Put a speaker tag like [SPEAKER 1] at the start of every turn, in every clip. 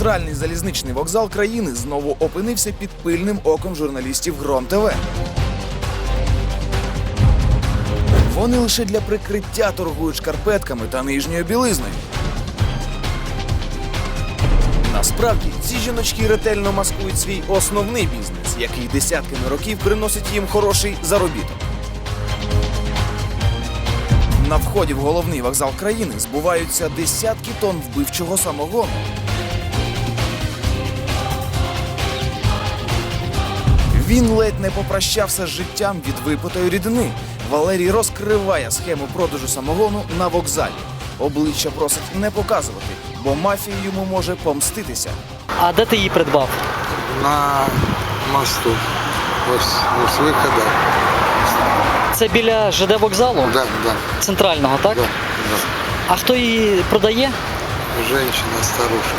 [SPEAKER 1] Центральний залізничний вокзал країни знову опинився під пильним оком журналістів Гром ТВ. Вони лише для прикриття торгують шкарпетками та нижньою білизною. Насправді, ці жіночки ретельно маскують свій основний бізнес, який десятками років приносить їм хороший заробіток. На вході в головний вокзал країни збуваються десятки тонн вбивчого самогону. Він ледь не попрощався з життям від випитої рідини. Валерій розкриває схему продажу самогону на вокзалі. Обличчя просить не показувати, бо мафія йому може помститися.
[SPEAKER 2] А де ти її придбав?
[SPEAKER 3] На мосту. Ось виходу.
[SPEAKER 2] Це біля ЖД вокзалу?
[SPEAKER 3] Да.
[SPEAKER 2] Центрального, так?
[SPEAKER 3] Да.
[SPEAKER 2] А хто її продає?
[SPEAKER 3] Женщина, старушка.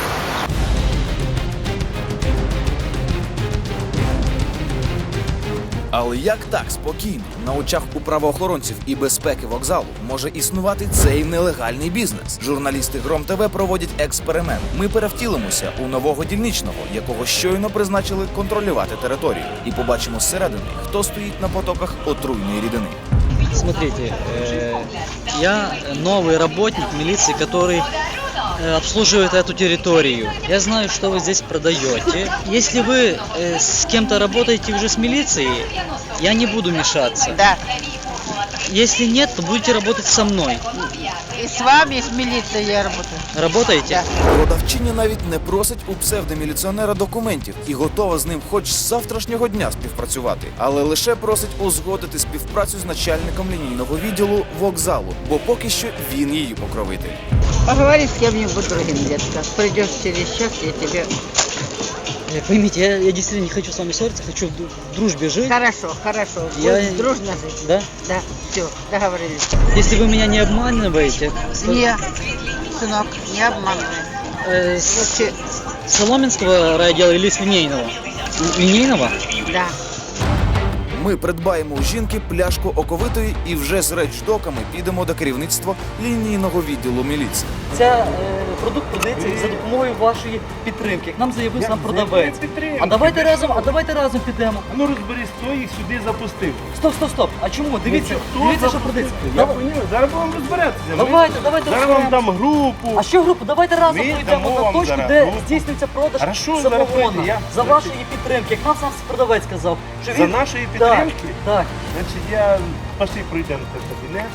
[SPEAKER 1] Але як так спокійно, на очах у правоохоронців і безпеки вокзалу може існувати цей нелегальний бізнес? Журналісти Гром ТВ проводять експеримент. Ми перевтілимося у нового дільничного, якого щойно призначили контролювати територію. І побачимо зсередини, хто стоїть на потоках отруйної рідини.
[SPEAKER 2] Смотрите, я новый работник милиции, который обслуживает эту территорию. Я знаю, что вы здесь продаете. Если вы с кем-то работаете уже с милицией, я не буду мешаться.
[SPEAKER 4] Да.
[SPEAKER 2] Если нет, то будете работать со мной.
[SPEAKER 4] И с вами, и с милицией я работаю.
[SPEAKER 2] Работаете?
[SPEAKER 1] Продавчиня навіть не просить у псевдоміліціонера документів і готова з ним хоч з завтрашнього дня співпрацювати, але лише просить узгодити співпрацю з начальником лінійного відділу вокзалу, бо поки що він її покровитель.
[SPEAKER 4] Поговори с кем-нибудь другим, детка. Придешь через час, я тебе...
[SPEAKER 2] Поймите, я действительно не хочу с вами ссориться, хочу в дружбе жить.
[SPEAKER 4] Хорошо.
[SPEAKER 2] Я-
[SPEAKER 4] Будем дружно жить.
[SPEAKER 2] Да?
[SPEAKER 4] Да, все, договорились.
[SPEAKER 2] Если вы меня не обманываете, то,
[SPEAKER 4] Не, сынок, не обманывай.
[SPEAKER 2] с Соломенского райотдела или с Линейного? Линейного?
[SPEAKER 4] Да.
[SPEAKER 1] Ми придбаємо у жінки пляшку оковитої і вже з речдоками підемо до керівництва лінійного відділу міліції.
[SPEAKER 2] Ця продукт продається за допомогою вашої підтримки. Як нам заявив сам продавець. А давайте разом підемо.
[SPEAKER 5] Ну розберись, хто їх сюди запустив.
[SPEAKER 2] Стоп. А чому? Дивіться, що продається.
[SPEAKER 5] Я розумію, зараз будемо розбиратися.
[SPEAKER 2] Давайте
[SPEAKER 5] Зараз вам
[SPEAKER 2] розберемося.
[SPEAKER 5] дам групу.
[SPEAKER 2] А що групу? Давайте разом
[SPEAKER 5] Ми
[SPEAKER 2] прийдемо
[SPEAKER 5] дамо
[SPEAKER 2] на
[SPEAKER 5] вам
[SPEAKER 2] точку,
[SPEAKER 5] зараз
[SPEAKER 2] де
[SPEAKER 5] групу.
[SPEAKER 2] здійснюється продаж
[SPEAKER 5] Хорошо, зараз
[SPEAKER 2] самогону.
[SPEAKER 5] прийде,
[SPEAKER 2] За вашої підтримки. Як нам сам продавець сказав. Що
[SPEAKER 5] За
[SPEAKER 2] він...
[SPEAKER 5] нашої підтримки?
[SPEAKER 2] Так.
[SPEAKER 5] Значить, я пошли пройдемо в кабінет.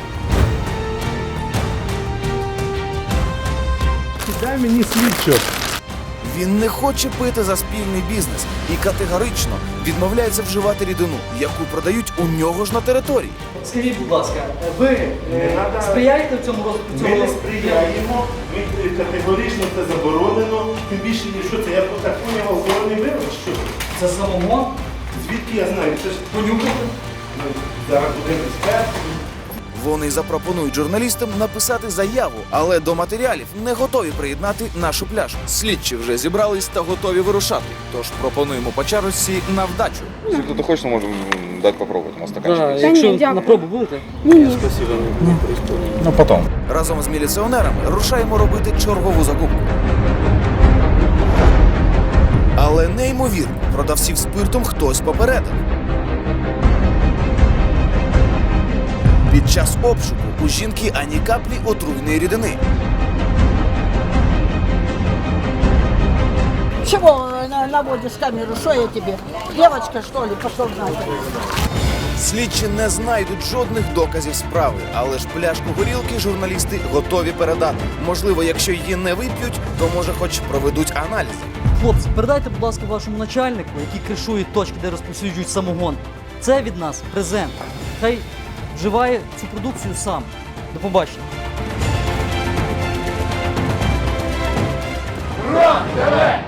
[SPEAKER 5] Дай мені слідчо.
[SPEAKER 1] Він не хоче пити за спільний бізнес і категорично відмовляється вживати рідину, яку продають у нього ж на території.
[SPEAKER 2] Скажіть, будь ласка, ви
[SPEAKER 5] надо-
[SPEAKER 2] сприяєте в цьому розвитку?
[SPEAKER 5] Ми не сприяємо, ми категорично це заборонено. Тим більше, що це, я так поняв, алкогольний вирок, що це?
[SPEAKER 2] Це самогон?
[SPEAKER 5] Звідки я знаю? Це ж
[SPEAKER 2] Понюхати?
[SPEAKER 5] зараз будемо експерт.
[SPEAKER 1] Вони запропонують журналістам написати заяву, але до матеріалів не готові приєднати нашу пляшку. Слідчі вже зібрались та готові вирушати. Тож пропонуємо по чарочці на вдачу.
[SPEAKER 6] Если кто-то хочет, мы можем дать попробовать. У нас стаканчик есть.
[SPEAKER 2] Якщо на пробу будете?
[SPEAKER 6] Ну, потом.
[SPEAKER 1] Разом з міліціонерами рушаємо робити чергову закупку. Але неймовірно, продавців спиртом хтось попередив. Під час обшуку у жінки ані каплі отруйної рідини.
[SPEAKER 7] Чего наводишь камеру? Что я тебе? Девочка, что ли? Пошел нахер.
[SPEAKER 1] Слідчі не знайдуть жодних доказів справи, але ж пляшку горілки журналісти готові передати. Можливо, якщо її не вип'ють, то може хоч проведуть аналізи.
[SPEAKER 2] Хлопці, передайте, будь ласка, вашому начальнику, який кришує точки, де розповсюджують самогон. Це від нас презент. Хай вживає цю продукцію сам. До побачення.
[SPEAKER 8] Гром ТВ!